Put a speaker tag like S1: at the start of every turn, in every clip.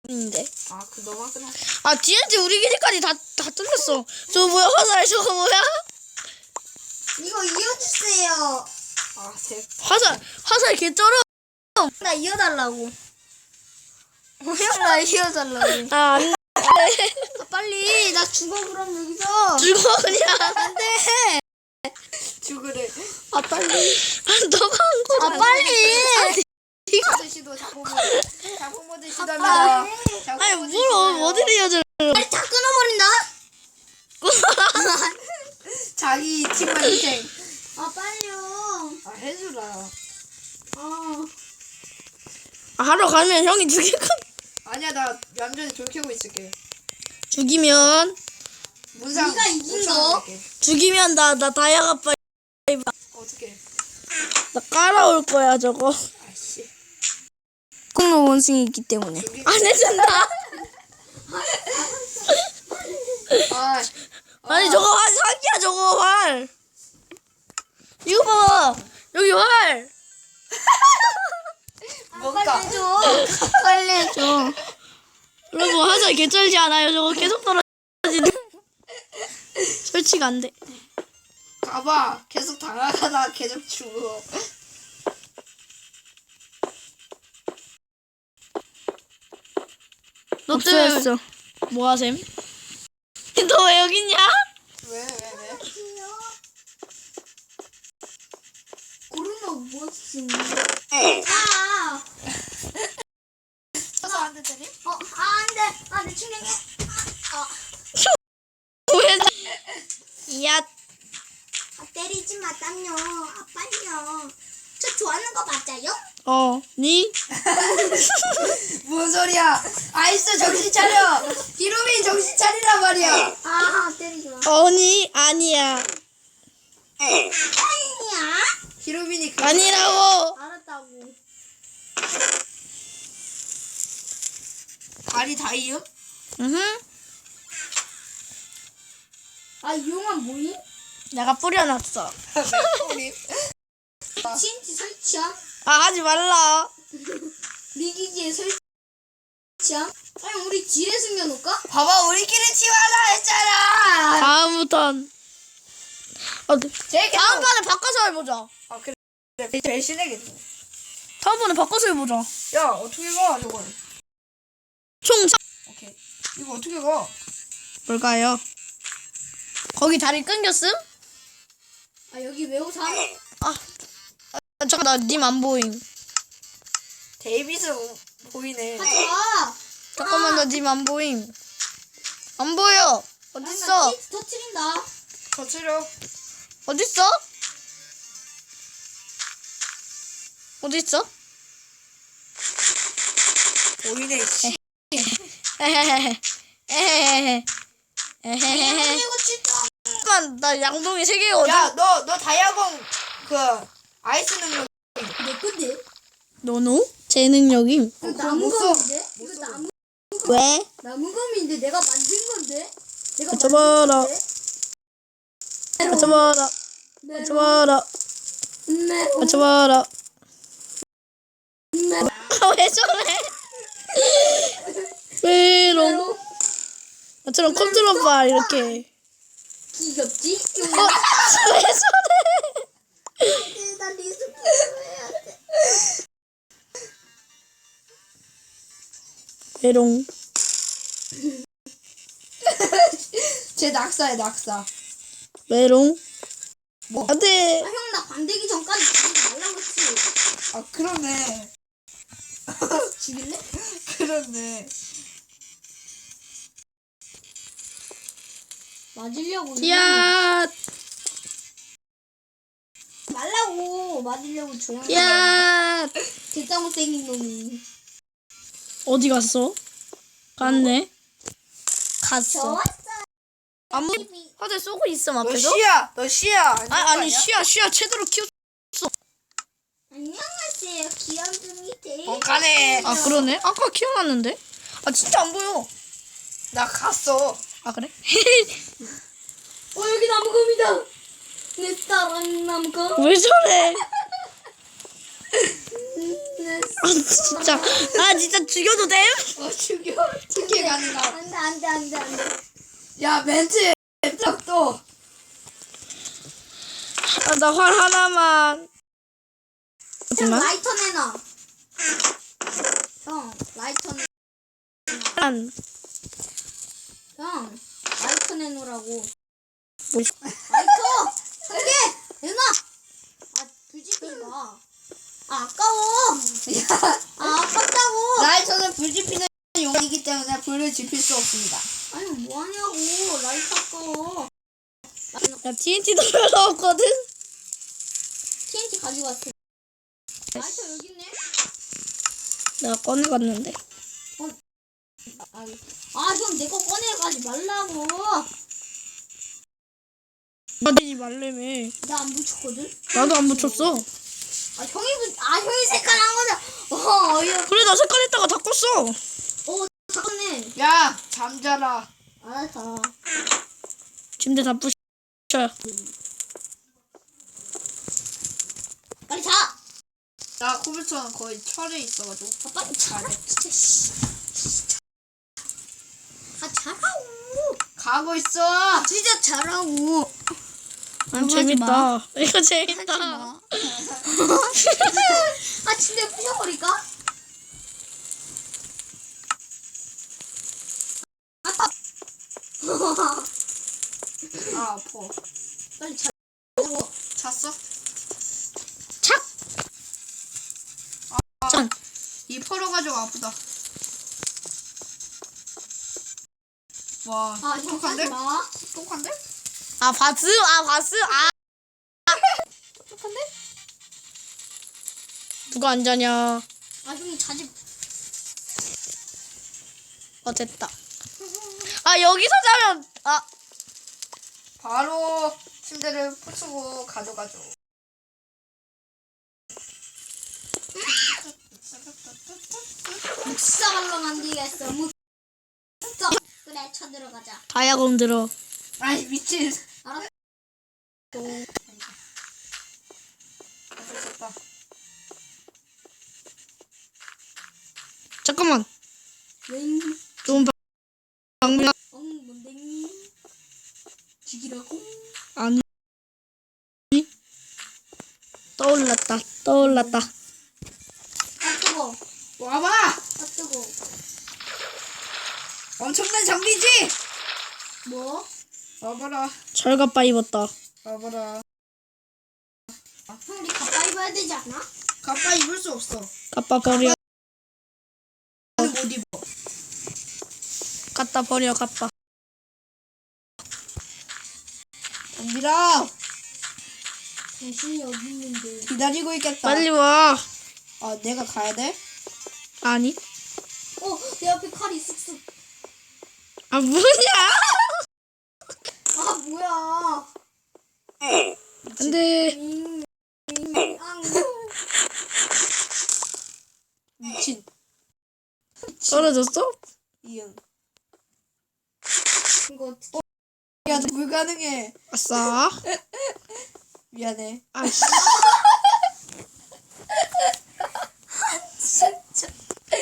S1: 있는데.
S2: 아, 그 너만 끊어.
S1: 아 TNT 우리 기지까지 다 뚫렸어. 저거 뭐야 화살 저거 뭐야?
S3: 이거 이어주세요.
S2: 아,
S1: 화살 개쩔어.
S3: 나 이어달라고. 형, 나 이어달라고.
S1: 아 안돼.
S3: 아, 빨리. 나 죽어, 그럼 여기서.
S1: 죽어 그냥.
S3: 안돼.
S2: 죽으래.
S1: 아 빨리. 아 너가 한 거.
S3: 아, 빨리.
S2: 모드 시도 자폭 모드 시도합니다.
S1: 아니 뭘 어디를 여자?
S3: 빨리 다 끊어버린다.
S2: 자기 팀만 희생.
S3: 아, 빨리요.
S2: 아, 해주라.
S1: 하러 가면 형이 죽일 거.
S2: 아니야, 나 얌전히 돌 켜고 있을게.
S1: 죽이면
S3: 네가 이긴 거?
S1: 죽이면 나 다이아가 빨리
S2: 어떻게?
S1: 나 깔아올 거야 저거.
S2: 아씨.
S3: 공로 원숭이 있기 때문에.
S1: 안 해준다.
S2: 아,
S1: 아니 저거 활 사기야 저거 활. 이거 봐 여기 활.
S2: 뭔가.
S3: 빨리 해줘. 빨리 해줘.
S1: 여러분 화살 개쩔지 않아요? 저거 계속 떨어지는. 설치가 안 돼.
S2: 가봐. 계속 당하다가 계속 죽어.
S1: 없어졌어. 뭐하셈? 너 왜 여기 있냐?
S2: 왜?
S3: 고르노 무엇이 아.
S2: 쳐서 안 돼, 때리?
S3: 안 돼. 아, 내 충격해.
S1: 왜? 야,
S3: 아, 때리지 마, 땀요. 아, 빨리요. 저 좋아하는 거 맞아요?
S1: 니?
S2: 뭔 소리야? 아이스 정신 차려. 히로민 정신 차리란 말이야.
S3: 아, 때리지 마.
S1: 아니야.
S3: 아니야.
S2: 히로민이
S1: 아니라고.
S3: 알았다고.
S2: 발이 다이음?
S1: 응.
S3: 아, 이 용암 뭐임?
S1: 내가 뿌려놨어.
S2: 우리
S3: TNT 설치함?
S1: 아 하지 말라.
S3: 리기지에 설치함? 아니, 우리 지뢰 숨겨놓을까?
S2: 봐봐, 우리끼리 치워라 했잖아.
S1: 다음부턴.
S2: 제일 계속.
S1: 다음번에 바꿔서 해보자.
S2: 아, 그래. 제일 신나겠네.
S1: 다음번에 바꿔서 해보자.
S2: 야, 어떻게 가 저걸?
S1: 총
S2: 오케이. 이거 어떻게 가?
S1: 뭘까요? 거기 다리 끊겼음?
S3: 아, 여기 외우삼?
S1: 잠깐 나 님 안 보임.
S2: 데이비스 보이네.
S3: 하지 마.
S1: 잠깐만 나 님 안 보임. 안 보여. 어딨어?
S3: TNT 터트린다.
S2: 거칠어.
S1: 어딨어? 어딨어?
S2: 보이네. 씨.
S1: 에헤헤헤. 에헤헤헤. 에헤헤헤.
S3: 이거 진짜.
S1: 잠깐 나 양동이 3개거든.
S2: 야, 너 다이아공 그 아이스 능력.
S3: 내 건데?
S1: 너노? 제 능력임.
S3: 이거
S2: 그거 못 써.
S3: 나무검인데?
S2: 못
S3: 이거
S2: 써.
S1: 왜?
S3: 나무검인데 내가 만든 건데? 내가
S1: 맞춰봐라.
S3: 만든 건데?
S1: 맞춰봐라.
S3: 메롱.
S1: 맞춰봐라.
S3: 메롱.
S1: 맞춰봐라.
S3: 메롱.
S1: 왜 저래? 메롱. 나처럼 컨트롤 바 이렇게.
S3: 귀엽지?
S1: 왜 저래?
S3: 나 리스폰 해야 돼.
S1: 메롱.
S2: 쟤 낙사야, 낙사.
S1: 메롱.
S2: 뭐?
S1: 안돼.
S3: 아, 형, 나 반대기 전까지 죽이지 말라고 했지.
S2: 아, 그러네.
S3: 죽일래?
S2: 그렇네.
S3: 맞으려고.
S1: 야.
S3: 말라고. 맞으려고 조용히.
S1: 야.
S3: 진짜 못생긴 놈이.
S1: 어디 갔어? 갔네. 갔어.
S3: 좋았어.
S1: 아무 화살 쏘고 있음
S2: 너
S1: 앞에서?
S2: 씨야. 너 씨야.
S1: 아니 쉬야 제대로 키웠어.
S3: 안녕하세요. 귀염둥이 대.
S2: 가네.
S1: 아 그러네. 아까 키워놨는데. 아 진짜 안 보여.
S2: 나 갔어.
S1: 아 그래?
S3: 여기 나무검이다. 내 사랑 나무검.
S1: 왜 저래?
S3: 내
S1: 아 진짜. 아 진짜 죽여도 돼?
S2: 죽여.
S3: 안 돼.
S2: 야 멘트 또.
S1: 아, 나 활 하나만.
S3: 형
S1: 하지만
S3: 라이터 내놔. 형 라이터 내.
S1: 한
S3: 형 라이터 내놓으라고.
S1: 뭐,
S3: 라이터 한 개 내놔. 아 불지피지 마. 아 아까워. 아 아깝다고.
S2: 라이터는 불 지피는 용이기 때문에 불을 지필 수 없습니다.
S3: 아니 뭐하냐고. 라이터 아까워.
S1: 야 TNT도 별로 없거든.
S3: TNT 가지고 왔어. 라이터 여기 있네.
S1: 내가 꺼내갔는데.
S3: 형 내 거 꺼내가지 말라고.
S1: 맞지 말래매.
S3: 나 안 붙였거든.
S1: 나도 안 붙였어.
S3: 형이 색깔 한 거잖아. 어이없.
S1: 그래 나 색깔 했다가 다 껐어.
S3: 잠깐네.
S2: 야 잠자라.
S3: 알았어.
S1: 침대 다 부셔.
S3: 빨리 자.
S2: 나 컴퓨터는 거의 철에 있어가지고.
S3: 빨리 자라. 진짜 씨. 자라고.
S2: 가고 있어.
S3: 진짜 자라고.
S1: 안 재밌다. 이거 재밌다.
S3: 침대 부셔버릴까?
S2: 아 아파.
S3: 빨리 자.
S2: 잤어?
S1: 착. 짠.
S2: 이 펄어가지고 아프다. 와
S3: 형
S2: 똑똑한데?
S3: 하지 마.
S2: 똑똑한데?
S1: 아 바스.
S3: 똑똑한데?
S1: 누가 안 자냐.
S3: 형이 자지.
S1: 됐다. 아 여기서 자면
S2: 바로 침대를 부수고 가져가죠.
S3: 묵사발로 만들겠어. 그래 쳐들어가자.
S1: 다이아검 들어.
S2: 아이 미친.
S3: 알았어.
S2: 됐다.
S1: 잠깐만.
S3: 웬?
S1: 너무 방금
S3: 뭔데? 죽이라고?
S1: 아니. 떠올랐다.
S3: 뜨거.
S2: 와봐.
S3: 뜨거.
S2: 엄청난 장비지.
S3: 뭐?
S2: 와봐라.
S1: 절갑바 입었다.
S2: 와봐라.
S3: 형 우리 가빠 입어야 되지 않아?
S2: 가빠 입을 수 없어.
S1: 갖다 버려.
S2: 못 입어.
S1: 갖다 버려 갖다.
S2: 덤비라.
S3: 당신이 어디 있는데?
S2: 기다리고 있겠다.
S1: 빨리 와.
S2: 내가 가야 돼?
S1: 아니.
S3: 내 앞에 칼이 쑥쑥.
S1: 아 뭐냐?
S3: 뭐야?
S1: 안돼.
S2: 미친.
S1: 떨어졌어?
S2: 이응.
S3: 이거
S2: 야, 너 불가능해.
S1: 아싸.
S2: 미안해.
S1: 아씨.
S3: 진짜.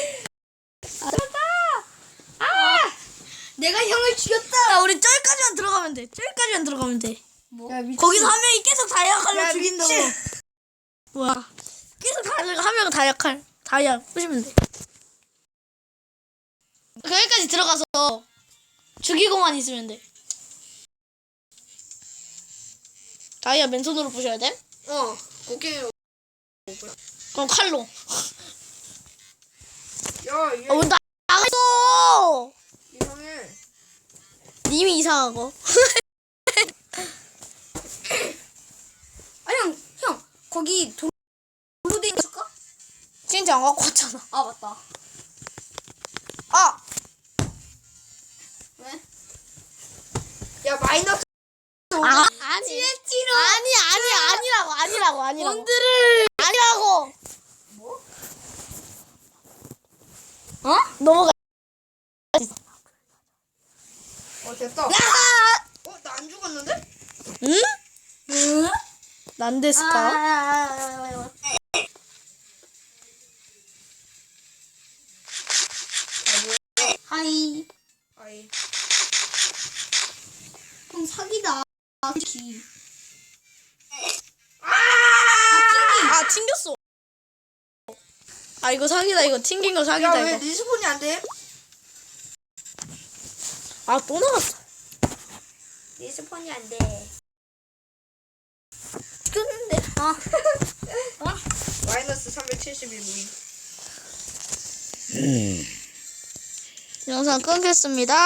S3: 내가 형을 죽였다.
S1: 야 우리 저기까지만 들어가면 돼. 저기까지만 들어가면 돼.
S2: 야, 미친.
S1: 거기서 한 명이 계속 다이아 칼로
S2: 야,
S1: 죽인다고.
S2: 미친.
S1: 뭐야? 계속 한 명은 다이아 부시면 돼. 거기까지 들어가서 죽이고만 있으면 돼. 다이아 맨손으로 부셔야 돼?
S2: 오케이.
S1: 그럼 칼로.
S2: 야, 얘
S1: 나 나갔어.
S2: 이상해.
S1: 님이 이상하고.
S3: 형 거기 돌로 돼 있을까?
S1: 진짜 안 갖고 왔잖아.
S3: 맞다. 왜?
S2: 야, 마이너스.
S1: 아니. 아니라고. 원드를 아니라고.
S2: 뭐?
S1: 넘어가.
S2: 됐다. 나 안 죽었는데?
S1: 응? 난 됐을까?
S3: 하이.
S2: 아이.
S3: 그럼 사기다. 기.
S1: 아 튕겼어. 아 이거 사기다. 이거 튕긴 거 사기다.
S2: 야 왜
S1: 이거.
S2: 리스폰이 안 돼?
S1: 아 또 나갔어.
S3: 리스폰이 안 돼.
S1: 꼈는데.
S2: 마이너스 371 무인.
S1: 영상 끊겠습니다.